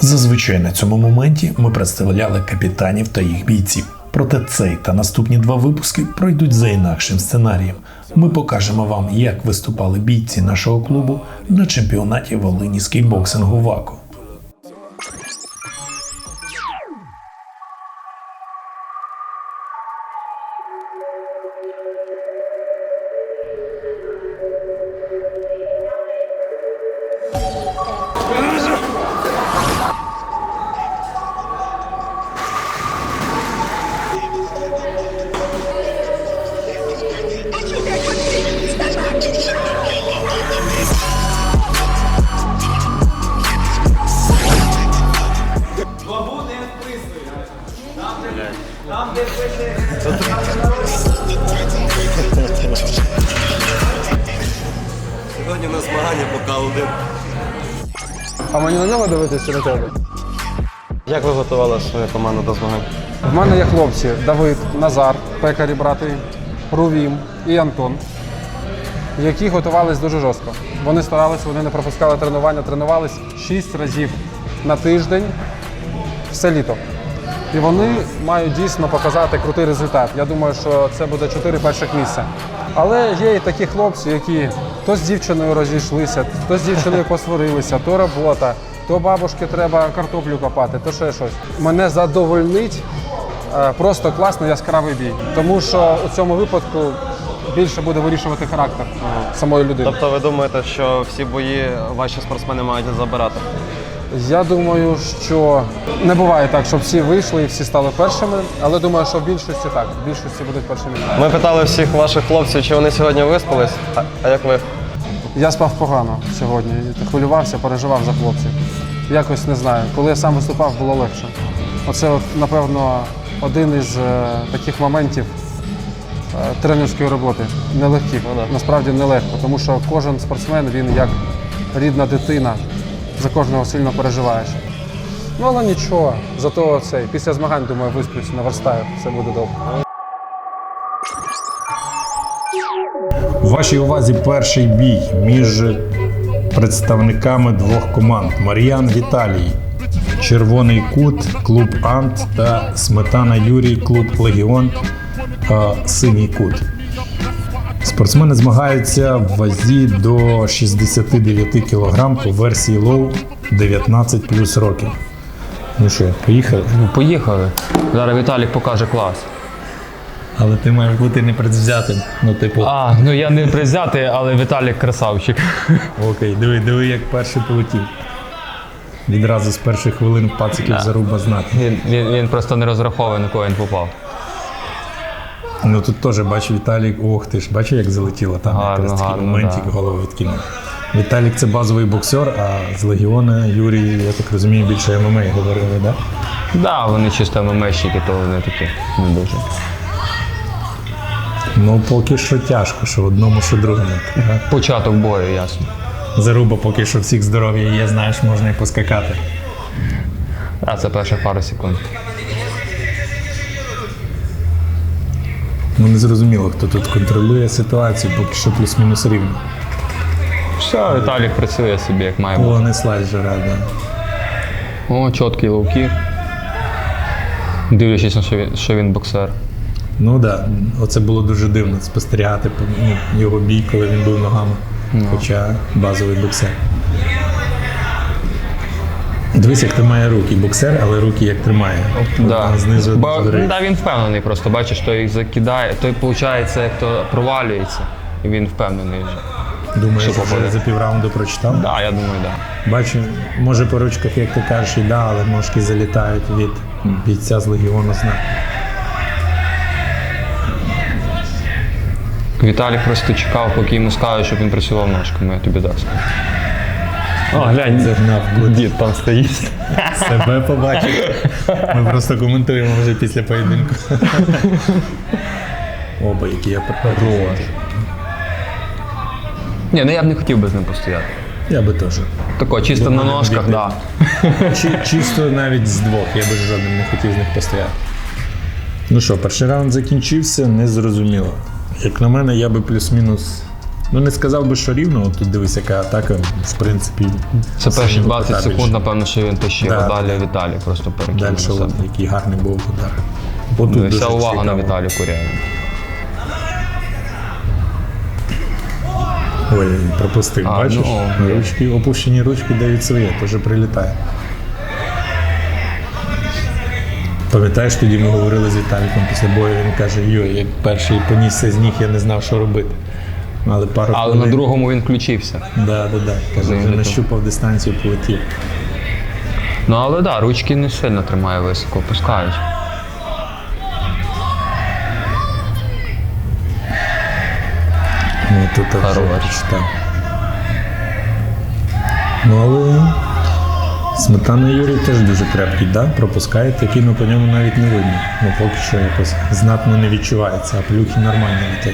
Зазвичай на цьому моменті ми представляли капітанів та їх бійців. Проте цей та наступні два випуски пройдуть за інакшим сценарієм. Ми покажемо вам, як виступали бійці нашого клубу на чемпіонаті Волині з кейкбоксингу ВАКО. Сьогодні на змагання покал один. А мені на нього дивитися чи на тебе? Як ви готували свою команду до змагань? В мене є хлопці Давид, Назар, пекарі брати, Рувім і Антон, які готувались дуже жорстко. Вони старалися, вони не пропускали тренування, тренувались 6 разів на тиждень все літо. І вони мають дійсно показати крутий результат. Я думаю, що це буде 4 перших місця. Але є і такі хлопці, які то з дівчиною розійшлися, то з дівчиною посварилися, то робота, то бабушки треба картоплю копати, то ще щось. Мене задовольнить просто класний яскравий бій. Тому що у цьому випадку більше буде вирішувати характер самої людини. Тобто ви думаєте, що всі бої ваші спортсмени мають забирати? Я думаю, що не буває так, щоб всі вийшли і всі стали першими, але думаю, що в більшості так, в більшості будуть першими. Ми питали всіх ваших хлопців, чи вони сьогодні виспались, а як ви? Я спав погано сьогодні, хвилювався, переживав за хлопців. Якось не знаю, коли я сам виступав, було легше. Оце, напевно, один із таких моментів тренерської роботи. Нелегких, насправді нелегко, тому що кожен спортсмен, він як рідна дитина. За кожного сильно переживаєш. Ну, але нічого, зато після змагань, думаю, висплюсь, наверстаю, все буде добре. У вашій увазі перший бій між представниками двох команд Мар'ян Віталій, Червоний Кут, клуб Ант та Сметана Юрій, клуб Легіон, Синій Кут. Спортсмени змагаються в вазі до 69 кг по версії лоу 19 плюс років. Ну що, поїхали? Ну, поїхали. Зараз Віталік покаже клас. Але ти маєш бути непредвзятим. Ну, типу. Ну я не призятий, але Віталік красавчик. Окей, диви, як перший полетів. Відразу з перших хвилин пациків заруба знати. Він просто не розраховує, на кого він попав. Ну тут теж бачу Віталік, ох ти ж, бачиш, як залетіло там, якраз такий моментик, да. голову відкинув. Віталік це базовий боксер, а з Легіона Юрій, я так розумію, більше ММА говорили, так? Да? Да, вони чисто ММАщики, то вони такі не дуже. Ну поки що тяжко, що одному, що другому. Початок бою, ясно. Заруба поки що всіх здоров'я є, знаєш, можна і поскакати. А це перших пару секунд. Ну не зрозуміло, хто тут контролює ситуацію, поки що плюс-мінус рівно. Все, Віталік працює собі, як має бути. О, не слайджера, да. О, чіткий лоу-кік. Дивлячись на що він боксер. Ну так, да. Оце було дуже дивно спостерігати його бій, коли він був ногами. Хоча базовий боксер. Дивись, як тримає руки. Боксер, але руки як тримає. Да. Знизу Да, він впевнений просто, бачиш, той їх закидає, той, виходить, як то провалюється, і він впевнений вже. Думаєш, що вже попаде. за півраунду прочитав? Так, да, я думаю, так. Да. Бачу, може по ручках, як ти кажеш, і да, але ножки залітають від бійця з Легіону знак. Віталік просто чекав, поки йому скажуть, щоб він працював ножками, я тобі так скажу. О, глянь, Загнав дід там стоїть. Себе побачив. Ми просто коментуємо вже після поєдинку. Оба, які я хорош. Ні, ну я б не хотів би з ним постояти. Я би теж. Тако, чисто на ножках, так. Да. Чисто навіть з двох, я би жодним не хотів з них постояти. Ну що, перший раунд закінчився, незрозуміло. Як на мене, я би плюс-мінус Ну не сказав би, що рівно, от тут дивись, яка атака, в принципі. Це перші сильно 20 кота секунд, більше. напевно, що він тащив, Да, а далі да. Віталій просто перекинув Далі, на себе. от, який гарний був удар. Отут Ну, і дуже вся увага на цікаво. Віталію Курєві. Ой, пропустив, А, бачиш? ну, Ручки, опущені ручки дають своє, теж прилітає. Пам'ятаєш, тоді ми говорили з Віталіком після бою, він каже, йой, як перший понісся з ніг, я не знав, що робити. Але пару Але хвилин. на другому він включився. Да. Каже, вже нащупав дистанцію, полетів. Ну але да, ручки не сильно тримає високо, опускають. Ну тут вже Хорош. прочитав. Ну але Сметана Юрій теж дуже крепкий, да? Пропускає такий, ну по ньому навіть не видно. Ну поки що якось знатно не відчувається, а плюхи нормально летять.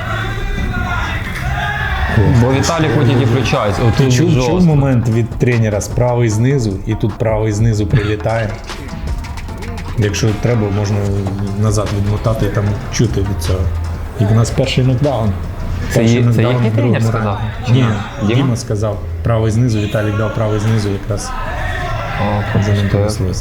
Бо Віталій хоч і включається. Отут Чув жорстко. момент від тренера з правий знизу, і тут правий знизу прилітає. Якщо треба, можна назад відмотати і там чути від цього. І в нас перший нокдаун. Це Перший є- це нокдаун який в другому тренер сказав? раунді. Чи Ні, ні? Діма сказав. Правий знизу, Віталік дав правий знизу якраз. О, За ним пропустив. понеслось.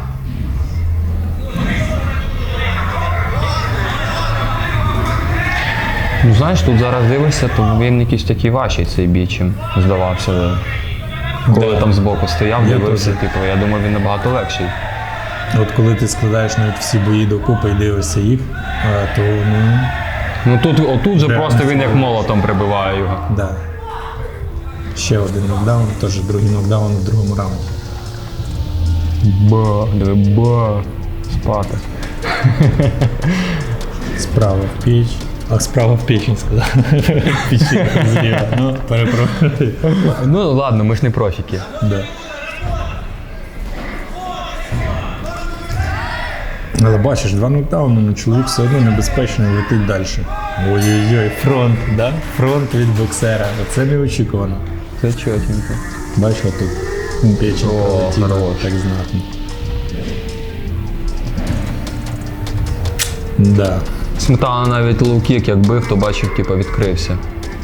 Ну знаєш, тут зараз дивишся, то він якийсь такий важчий цей бій, чим здавався. Коли Да. там збоку стояв, Я дивився, теж. типу, я думаю, він набагато легший. От коли ти складаєш навіть всі бої докупи і дивишся їх, то ну, Ну тут, отут же Да. просто він як молотом прибиває його. да. Ще один нокдаун, теж другий нокдаун в другому раунді. Ба, спати. Справа в піч. А справа в печень сказав. Печінка зліва. Ну, перепрошую. Ну ладно, ми ж не профіки. Да. Але бачиш, два нокдауни, ну чоловік все одно небезпечно летить далі. Ой-ой-ой, фронт, да? Фронт від боксера. Оце неочікувано. Це чотенько. Бачиш, тут печень О, пролетіла хорош. так знатно. Да. Сметана навіть лоу-кік як бив, то бачив, типу, відкрився.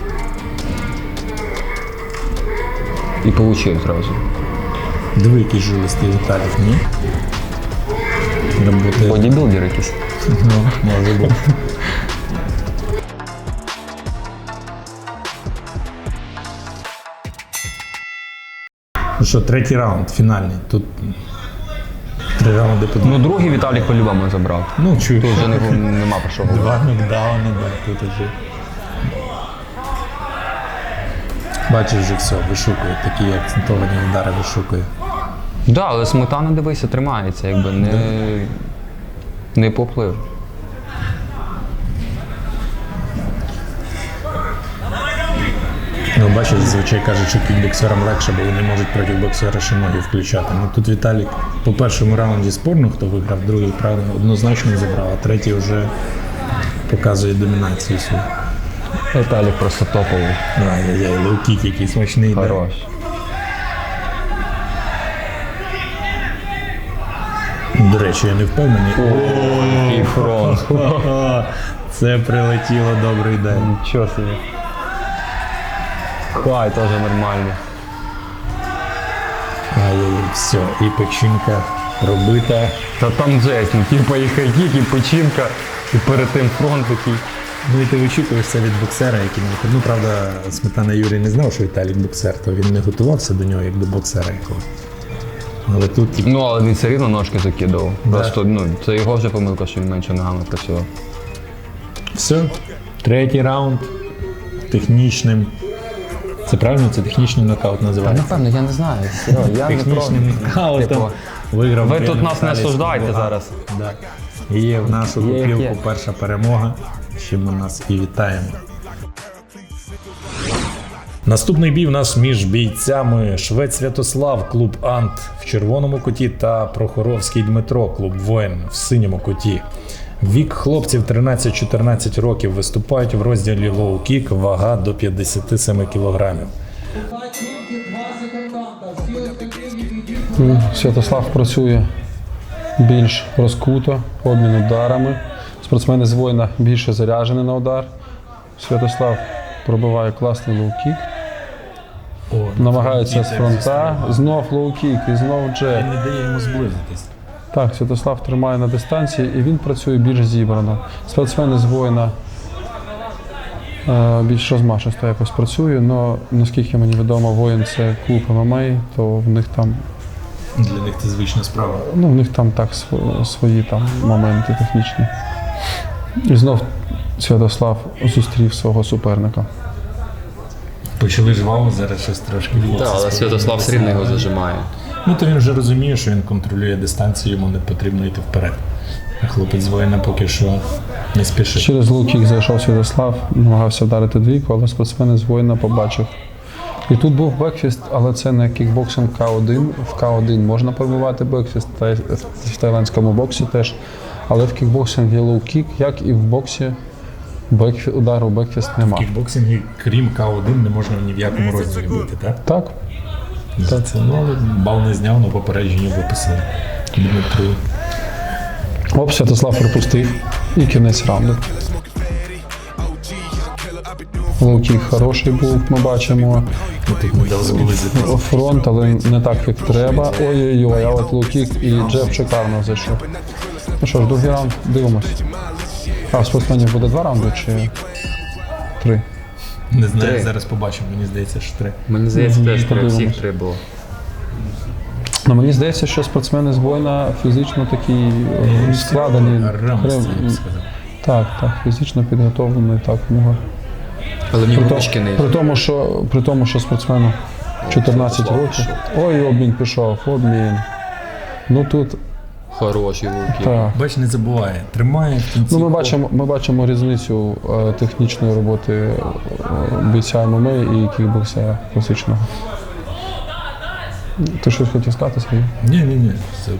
І получив зразу. Диви, який жилистий Віталік, ні? Роботи. Бодібілдер якийсь. Ну, може бути. Ну що, третій раунд, фінальний. Тут 3 раунди по Ну другий Віталій по-любому забрав. Ну, чую. Тут вже нема про що говорити. 2 нокдауни, да, тут уже. Бачиш, вже все, вишукує, такі акцентовані удари вишукує. Так, да, але Сметана, дивися, тримається, якби не поплив. Ну, бачиш, зазвичай кажуть, що кікбоксерам легше, бо вони можуть проти боксера ще ноги включати. Ну тут Віталік по першому раунді спорно, хто виграв, другий, правда, однозначно забрав, а третій вже показує домінацію свою. Віталій просто топовий. Ай-яй-яй, лоу-кік який смачний. Да? Хорош. До речі, я не впевнений. І фронт. Це прилетіло, добрий день. Нічого собі. Хай теж нормально. Ай-яй-яй, все, і печінка робита. Та там жесть, ну типу і хайкік, і печінка, і перед тим фронт такий. Ну і ти вичікуєш це від боксера, який не виходить. Ну, правда, Сметана Юрій не знав, що Віталік боксер, то він не готувався до нього як до боксера якого. Але тут, типу, Ну, але він все рівно ножки закидав. Просто, ну, це його вже помилка, що він менше ногами працював. все. Третій раунд. Технічним. Це правильно? Це технічний нокаут називається? Напевно, я не знаю. Я Технічним нокаутом Типу, виграв. ви Брен тут нас не Віталій осуждайте Скобога. зараз. Да. І є в нашу Є, як купілку є. перша перемога, з чим ми нас і вітаємо. Наступний бій в нас між бійцями Швець Святослав, клуб Ант в червоному куті та Прохоровський Дмитро, клуб Воїн в синьому куті. Вік хлопців 13-14 років, виступають в розділі лоу-кік, вага до 57 кілограмів. Святослав працює більш розкуто, обмін ударами. Спортсмени з воїна більше заряджені на удар. Святослав пробиває класний лоу-кік. О, Намагається з фронта, знов лоу-кік і знов джеб. не дає йому зблизитись. Так, Святослав тримає на дистанції і він працює більш зібрано. Спортсмени з воїна більш розмашисто якось працює, але наскільки мені відомо, воїн це клуб ММА, то в них там, Для них це звична справа. ну, в них там так свої там моменти технічні. І знов Святослав зустрів свого суперника. Почали жваво, зараз щось трошки Так, але Святослав все рівно його зажимає. Ну, то він вже розуміє, що він контролює дистанцію, йому не потрібно йти вперед. А хлопець з воїна поки що не спішить. Через лоу-кік зайшов Святослав, намагався вдарити двійку, але спортсмен з воїна побачив. І тут був бекфіст, але це не кікбоксинг К1. В К1 можна пробивати бекфіст, в тайландському боксі теж. Але в кікбоксинг є лоу-кік, як і в боксі удару бекфіст В нема. кікбоксингі, крім К1, не можна ні в якому розділі бити, так? Так? За це, ну, але бал не зняв, але попередження виписали. Дмитру. Оп, Святослав пропустив. І кінець раунду. Лоу-кік хороший був, ми бачимо. Ти не дав зблизитись. Фронт, але не так, як треба. Ой-ой-ой, а от лоу-кік і джеб шикарно зайшов. Ну що ж, другий раунд, дивимось. А в спортсменів буде 2 раунди чи 3? Не знаю, Три. зараз побачимо, мені здається, що 3. Мені здається, теж треба подивимось. всіх 3 було. Ну, мені здається, що спортсмени з воїна фізично такі складені. Рамості, я б сказав. Так, фізично підготовлені, так, в нього. Але в нього ручки не При тому, що спортсмену 14 років. Ой, обмін пішов, обмін. Ну тут, хороші луки. так. Бач, не забуває. Тримає в кінці. Ну, ми бачимо різницю технічної роботи бійця ММА і кікбоксера класичного. Ти щось хотів сказати, Сергій? Ні. Все.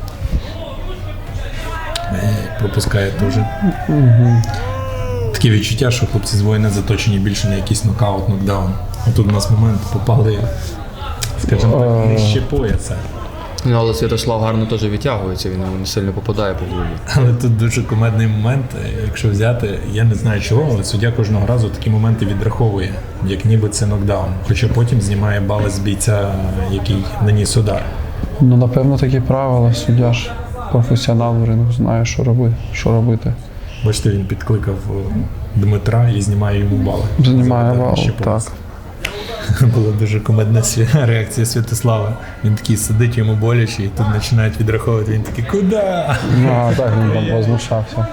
Пропускає дуже. Таке відчуття, що хлопці з воїна заточені більше на якийсь нокаут, нокдаун. Тут у нас момент попали, скажімо так, нижче пояса. Ну, але Святослав гарно теж відтягується, він не сильно попадає по голові. Але тут дуже кумедний момент, якщо взяти, я не знаю чого, але суддя кожного разу такі моменти відраховує, як ніби це нокдаун. Хоча потім знімає бали з бійця, який наніс удар. Ну, напевно, такі правила. Суддя ж професіонал в рингу знає, що робити. Бачите, він підкликав Дмитра і знімає йому бали. Знімає За бал, ще так. пояс. Була дуже кумедна реакція Святослава. Він такий сидить, йому боляче, і тут починають відраховувати. Він такий, куди? Ну, так, він там возмущався.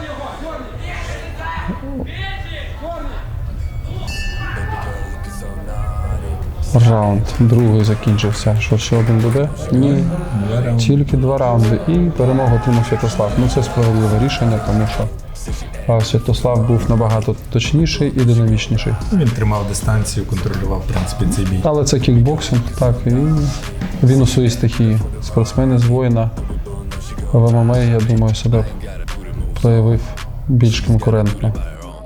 Раунд другий закінчився. Що, ще один буде? Ні. Тільки 2 раунди. І перемогу отримав Святослав. Ну, це справедливе рішення, тому що Святослав був набагато точніший і динамічніший. Він тримав дистанцію, контролював, в принципі, цей бій. Але це кікбоксинг, так, і він у своїй стихії. Спортсмени з воїна в ММА, я думаю, себе проявив більш конкурентно.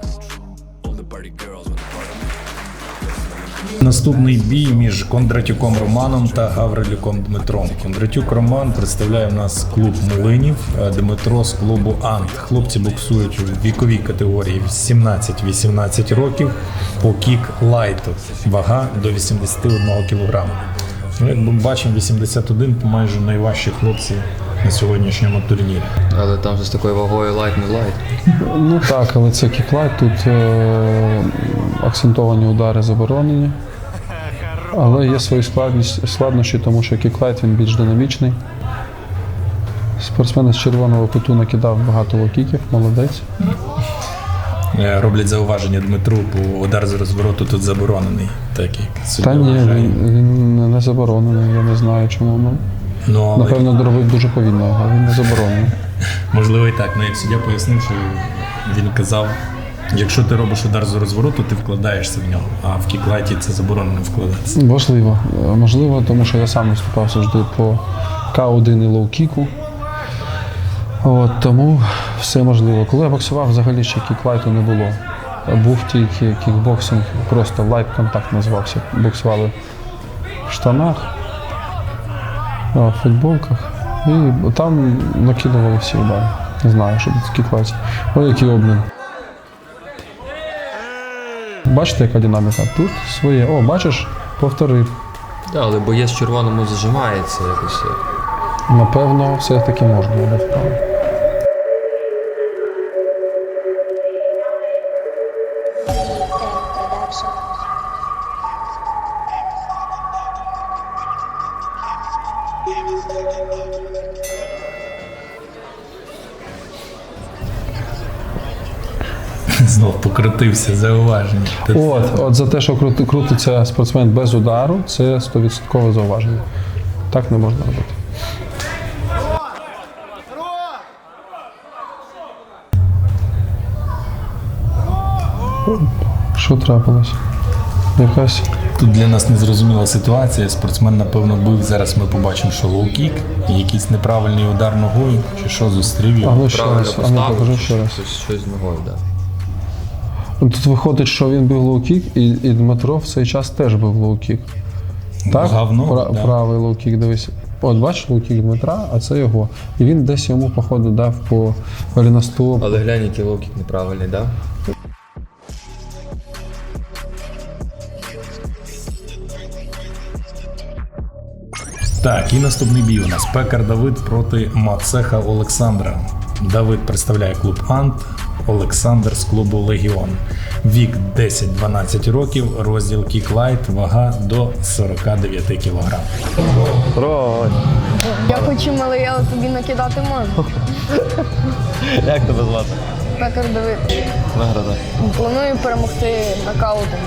Наступний бій між Кондратюком Романом та Гаврилюком Дмитром. Кондратюк Роман представляє в нас клуб Млинів, Дмитро з клубу Ант. Хлопці боксують у віковій категорії 17-18 років по кік-лайту. Вага до 81 кг. Ну, як ми бачимо, 81 – майже найважчі хлопці на сьогоднішньому турнірі. Але там же з такою вагою лайт не лайт. Ну так, але це кіклайт, тут акцентовані удари заборонені. Але є свої складнощі, тому що кіклайт він більш динамічний. Спортсмен з червоного куту накидав багато лоу-кіків, молодець. Роблять зауваження Дмитру, бо удар з розвороту тут заборонений. Так як суддя Та ні, вважає. він не заборонений, я не знаю чому. Ну, але, Напевно, робив дуже повільно, а він не заборонений. можливо і так. Ну, як суддя пояснив, що він казав, якщо ти робиш удар з розвороту, ти вкладаєшся в нього, а в кіклайті це заборонено вкладатися. Можливо, тому що я сам виступав завжди по К1 і лоу-кіку. Тому все можливо. Коли я боксував, взагалі ще кіклайту не було. Був тільки кікбоксинг, просто лайт-контакт називався. Боксували в штанах, в футболках. І там накидували всі удари. Не знаю, що це кіклайт. Ой, який обмін. Бачите, яка динаміка? Тут своє. О, бачиш, повторив. Так, але боєць в червоному зажимається якось. Напевно, все-таки можна буде вправо. Знов покрутився, зауваження. От за те, що крутиться спортсмен без удару, це 100% зауваження. Так не можна робити. Що трапилось? Якась. Тут для нас незрозуміла ситуація. Спортсмен, напевно, бив. Зараз ми побачимо, що лоу-кік, якийсь неправильний удар ногою, чи що зустрів А його. ну ще раз, а ну покажи ще раз. Щось з ногою, так. Тут виходить, що він бив лоу-кік, і Дмитро в цей час теж бив лоу-кік. Так? Говно, да. Правий лоу-кік, дивись. От бачиш лоу-кік Дмитра, а це його. І він десь йому, походу, дав по голеностоп. Але глянь, який лоу-кік неправильний, так? Так, і наступний бій у нас Пекар Давид проти Мацеха Олександра. Давид представляє клуб Ант, Олександр з клубу Легіон. Вік 10-12 років, розділ кік-лайт, вага до 49 кг. Я хочу малий, але тобі накидати можу. Як тебе звати? Пекар Давид. Виграда. Планую перемогти нокаутом.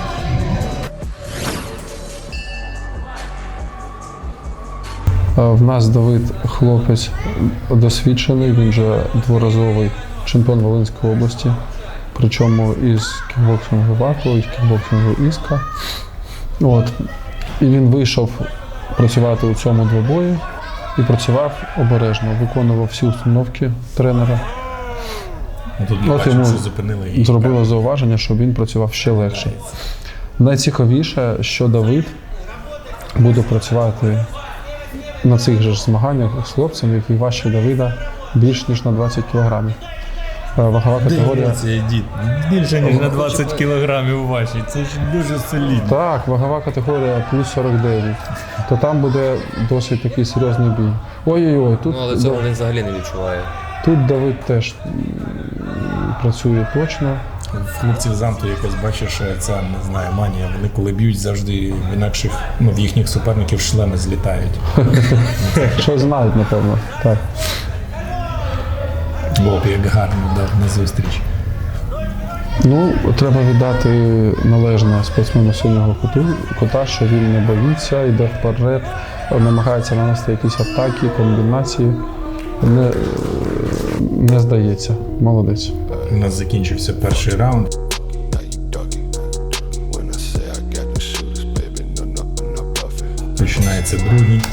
В нас Давид хлопець досвідчений, він же дворазовий чемпіон Волинської області, причому із кікбоксингу ВАКу, із кікбоксингу Іска. От. І він вийшов працювати у цьому двобої і працював обережно, виконував всі установки тренера. Тут ми От бачимо, йому що зупинили її. зробило зауваження, щоб він працював ще легше. Найцікавіше, що Давид буде працювати на цих же ж змаганнях з хлопцем, який важче Давида більш ніж на 20 кілограмів. Вагова категорія. Дивіться, дід. Більше, ніж на 20 кілограмів ваші. Це ж дуже солідно. Так, вагова категорія плюс 49. То там буде досить такий серйозний бій. Ой-ой-ой, тут, Ну, але цього він взагалі не відчуває. тут Давид теж працює точно. В хлопців з Анту якось бачиш, ця, не знаю, манія. Вони коли б'ють, завжди в інакших, в їхніх суперників шлеми злітають. Що знають, напевно. Так. Боб, як гарно дав на зустріч. Ну, треба віддати належне спортсмену синього кота, що він не боїться, йде вперед, намагається нанести якісь атаки, комбінації. Не здається. Молодець. У нас закінчився перший раунд. Починається другий.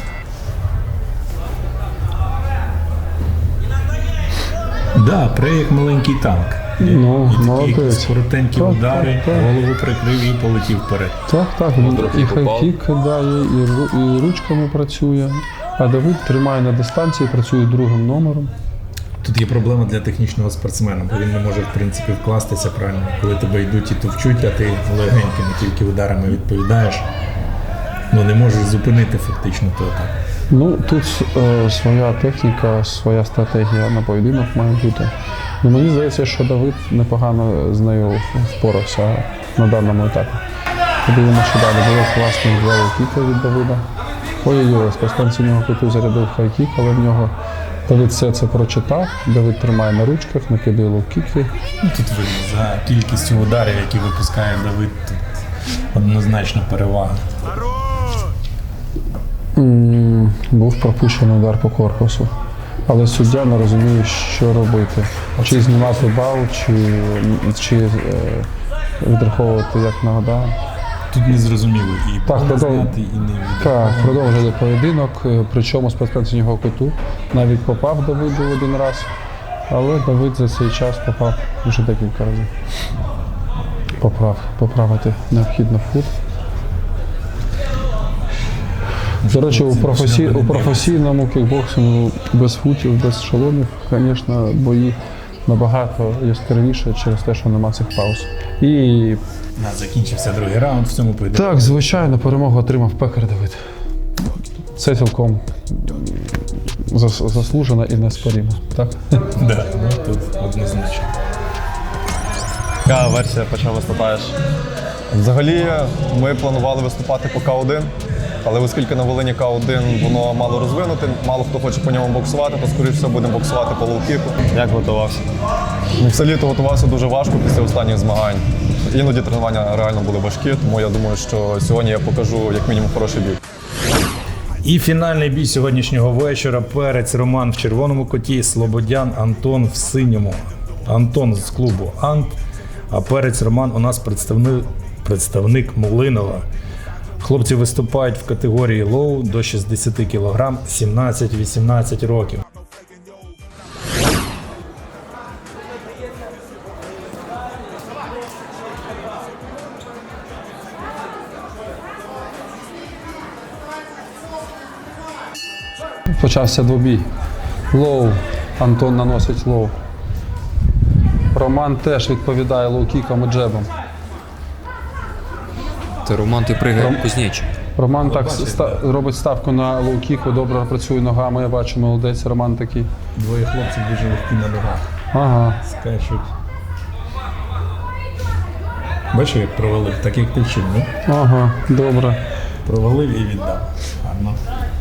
Да, пре як маленький танк. Ну, І такі молодець. якісь коротенькі Так, удари, так, так. голову прикрив і полетів вперед. Так, він трохи і попав. хайкік кидає, і ручками працює. А Давид тримає на дистанції, працює другим номером. Тут є проблема для технічного спортсмена, бо він не може, в принципі, вкластися правильно. Коли тебе йдуть і товчуть, а ти легенькими тільки ударами відповідаєш, ну не можеш зупинити фактично ту атаку. Ну, тут своя техніка, своя стратегія на поєдинок має бути. Ну, мені здається, що Давид непогано з нею впорався на даному етапі. Подивимося, що далі. Було класний кіка від Давида. Ой-ой-ой, спортсмен синього куту зарядив хайкік, але в нього Давид все це прочитав. Давид тримає на ручках, накидає лоу-кіки. Ну, тут видно, за кількістю ударів, які випускає Давид, тут однозначно перевага. Був пропущений удар по корпусу. Але суддя не розуміє, що робити. Чи знімати бал, чи відраховувати як нагода. Тут не зрозуміло і Так, зняти, і не Так, продовжили поєдинок, причому спортсмен синього куту навіть попав Давиду один раз, але Давид за цей час попав вже декілька разів. Поправити необхідно фут. До речі, у професійному кікбоксингу без футів, без шоломів, звісно, бої набагато яскравіше через те, що нема цих пауз. І Закінчився другий раунд в цьому поєдинку. так, звичайно, перемогу отримав Пекар Давид. Це цілком заслужено і неспорівно. Так? Да, ну, тут однозначно. Яка версія почав виступаєш? Взагалі, ми планували виступати по К1, але оскільки на Волині К1 воно мало розвинути, мало хто хоче по ньому боксувати, то скоріш все будемо боксувати по лоу-кіку. Як готувався? Все літо готувався дуже важко після останніх змагань. Іноді тренування реально були важкі, тому я думаю, що сьогодні я покажу як мінімум хороший бій. І фінальний бій сьогоднішнього вечора. Перець Роман в червоному куті, Слободян Антон в синьому. Антон з клубу Ант, а Перець Роман у нас представник Млинова. Хлопці виступають в категорії лоу до 60 кг, 17-18 років. Почався двобій. Лоу. Антон наносить лоу. Роман теж відповідає лоу-кіком і джебом. Це Роман, ти пригає кузнеч. Роман так робить ставку на лоу-кіку, добре працює ногами, я бачу, молодець, Роман такий. Двоє хлопців дуже легкі на ногах. Ага. Скачуть. Бачиш, як провалив, так як ти вчив, не? Ага, добре. Провалив і віддав. Гарно.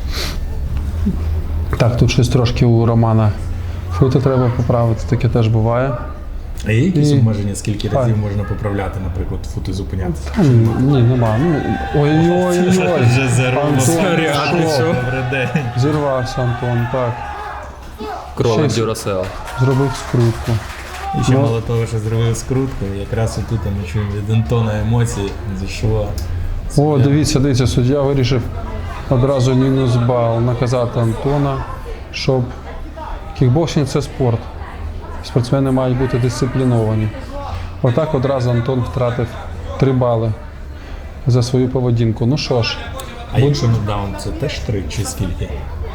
Так, тут щось трошки у Романа фути треба поправити, таке теж буває. А є якісь І- обмеження, скільки разів можна поправляти, наприклад, фути зупинятися? Ні, нема. Ну, ой-ой-ой. Антон, що? Добрий день. Зірвався Антон, так. Кролик Щось. Дюрасел. Зробив скрутку. І ще мало того, що зробив скрутку, якраз отут ми чуємо від Антона емоції зійшло. О, дивіться, суддя вирішив одразу мінус бал наказати Антона, щоб кікбоксинг – це спорт. Спортсмени мають бути дисципліновані. Отак одразу Антон втратив 3 бали за свою поведінку. Ну що ж, А якщо нокдаун, це теж 3 чи скільки?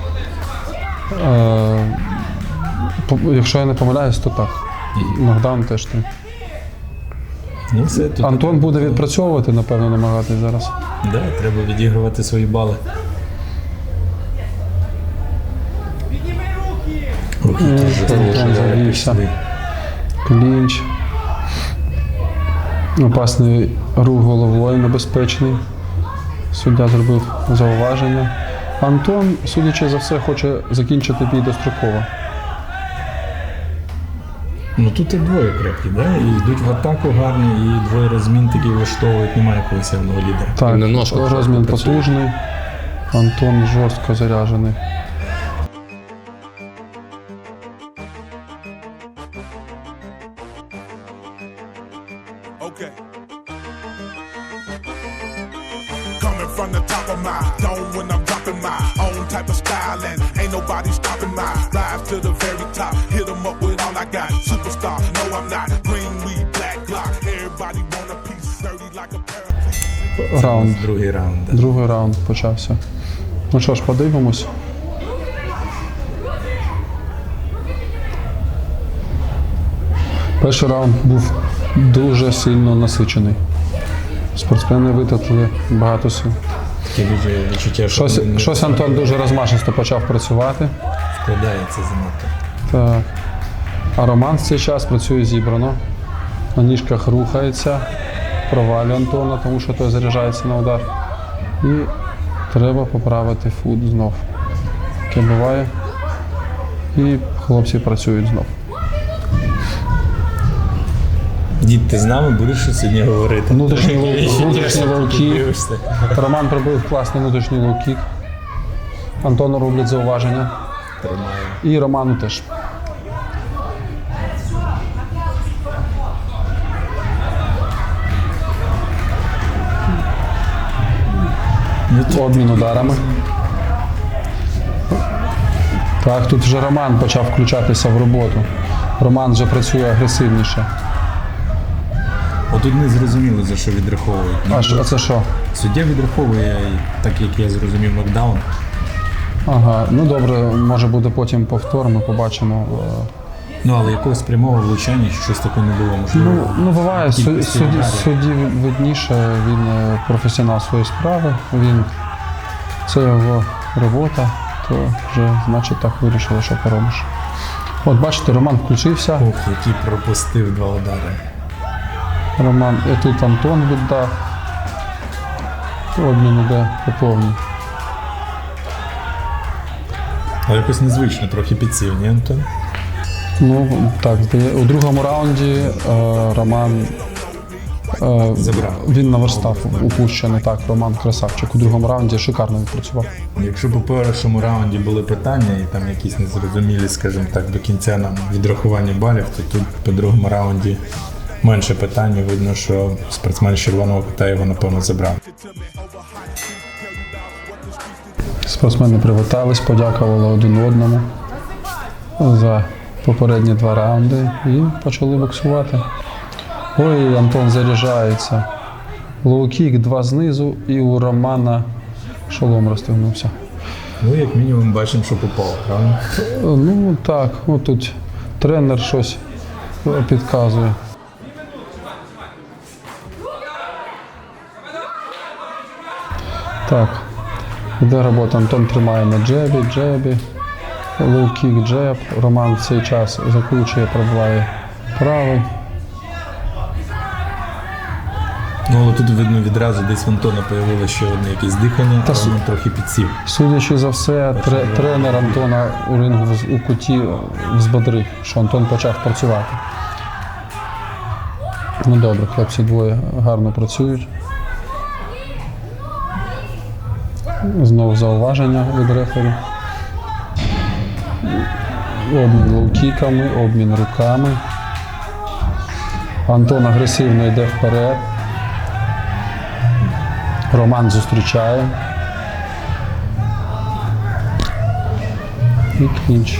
Якщо я не помиляюсь, то так. Нокдаун теж 3. Ну все, тут Антон буде відпрацьовувати, напевно, намагатись зараз. Да, треба відігрувати свої бали. Руки дуже Антон завівся. пішли. Клінч. Опасний рух головою, небезпечний. Суддя зробив зауваження. Антон, судячи за все, хоче закінчити бій достроково. Ну тут і двоє крепкі, да? І йдуть в атаку гарні, і двоє розмін такі влаштовують, немає якогось явного лідера. Так, На ножках розмін працює. потужний. Антон жорстко заряджений. Okay. Coming from the top of my dome when I'm dropping my own type of style and ain't nobody stopping my rise to the very top. Hit 'em up with all I got. Superstar, no I'm not. Green weed, black Glock. Everybody want a piece, sturdy like a paraplegic. Раунд. Другий раунд. Да. Другий раунд почався. Ну що ж, подивимось. Перший раунд був дуже сильно насичений. Спортсмени витратили багато сил. Таке дуже відчуття, що він Щось Антон дуже розмашисто почав працювати. вкладається занадто. Так. А Роман в цей час працює зібрано. На ніжках рухається, провалює Антона, тому що той заряджається на удар. І треба поправити фут знов. Таке буває. І хлопці працюють знов. Дід, ти з нами будеш сьогодні говорити? Внутрішній лоу-кік. Дивишся. Роман пробив класний внутрішній лоу-кік. Антону роблять зауваження. Тримаю. І Роману теж. Обмін ударами. Так, тут вже Роман почав включатися в роботу. Роман вже працює агресивніше. Отут не зрозуміло, за що відраховують. А це що? Суддя відраховує, так як я зрозумів, нокдаун. Ага, ну добре, може буде потім повтор, ми побачимо Ну, але якогось прямого влучання, щось таке не було можливо. Ну буває, Кількості ударів. судді видніше, він професіонал своєї справи, це його робота, то вже, значить, так вирішили, що поробиш. От бачите, Роман включився. Ох, який пропустив 2 удари. Роман, і тут Антон віддав. Обмін іде по повній. Але якось незвично, трохи підсів, ні, Антон? Ну, так, у другому раунді Роман Забрав. він наверстав упущений. Так, Роман красавчик. У другому раунді шикарно відпрацював. Якщо по першому раунді були питання і там якісь незрозумілі, скажімо так, до кінця нам відрахування балів, то тут по другому раунді менше питань. Видно, що спортсмен з червоного кута його, напевно, забрав. Спортсмени привітались, подякували один одному за попередні 2 раунди і почали боксувати. Ой, Антон заряджається. Лоу-кік, 2 знизу, і у Романа шолом розтягнувся. Ну, як мінімум, бачимо, що попав, правильно? Ну так, тут тренер щось підказує. Так, іде робота. Антон тримає на джебі, лоу-кік, джеб. Роман в цей час закручує, пробиває правий. Ну, але тут видно відразу, десь в Антона появилося ще одне якесь дихання, а він трохи підсів. Судячи за все, тренер Антона у рингу у куті взбодрив, що Антон почав працювати. Ну добре, хлопці двоє гарно працюють. Знову зауваження від рефері. Обмін лоу-кіками, обмін руками. Антон агресивно йде вперед. Роман зустрічає. І клінч.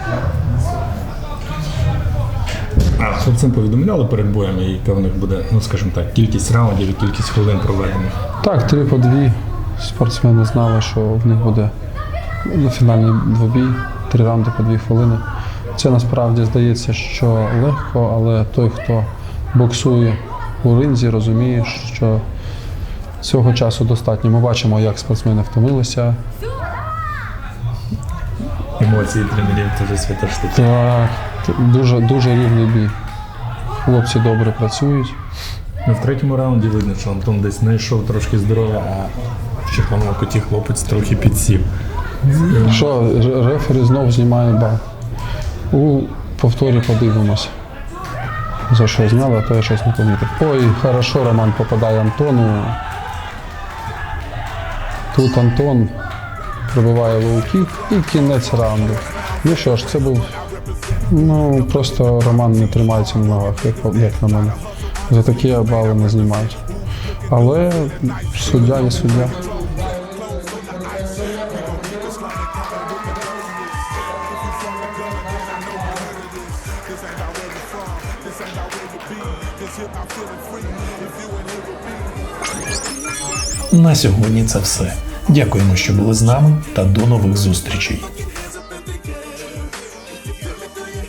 А хлопцям повідомляли перед боєм, яка в них буде, ну скажімо так, кількість раундів і кількість хвилин проведених. Так, 3 по 2. Спортсмени знали, що в них буде фінальний двобій, 3 раунди по 2 хвилини. Це насправді здається, що легко, але той, хто боксує у ринзі, розуміє, що цього часу достатньо. Ми бачимо, як спортсмени втомилися. Емоції тренерів – це вже свята штука. Так, дуже рівний бій. Хлопці добре працюють. Ну, в 3-му раунді видно, що Антон десь знайшов трошки здоров'я, а в червоному куті хлопець трохи підсів. Що, рефері знов знімає бал. У повторі подивимося. За що зняли, а то я щось не помітив. Ой, хорошо, Роман попадає Антону. Тут Антон пробиває лоу-кік і кінець раунду. Ну що ж, це був, просто Роман не тримається на ногах, як на мене. За такі бали не знімають. Але суддя є суддя. На сьогодні це все. Дякуємо, що були з нами, та до нових зустрічей.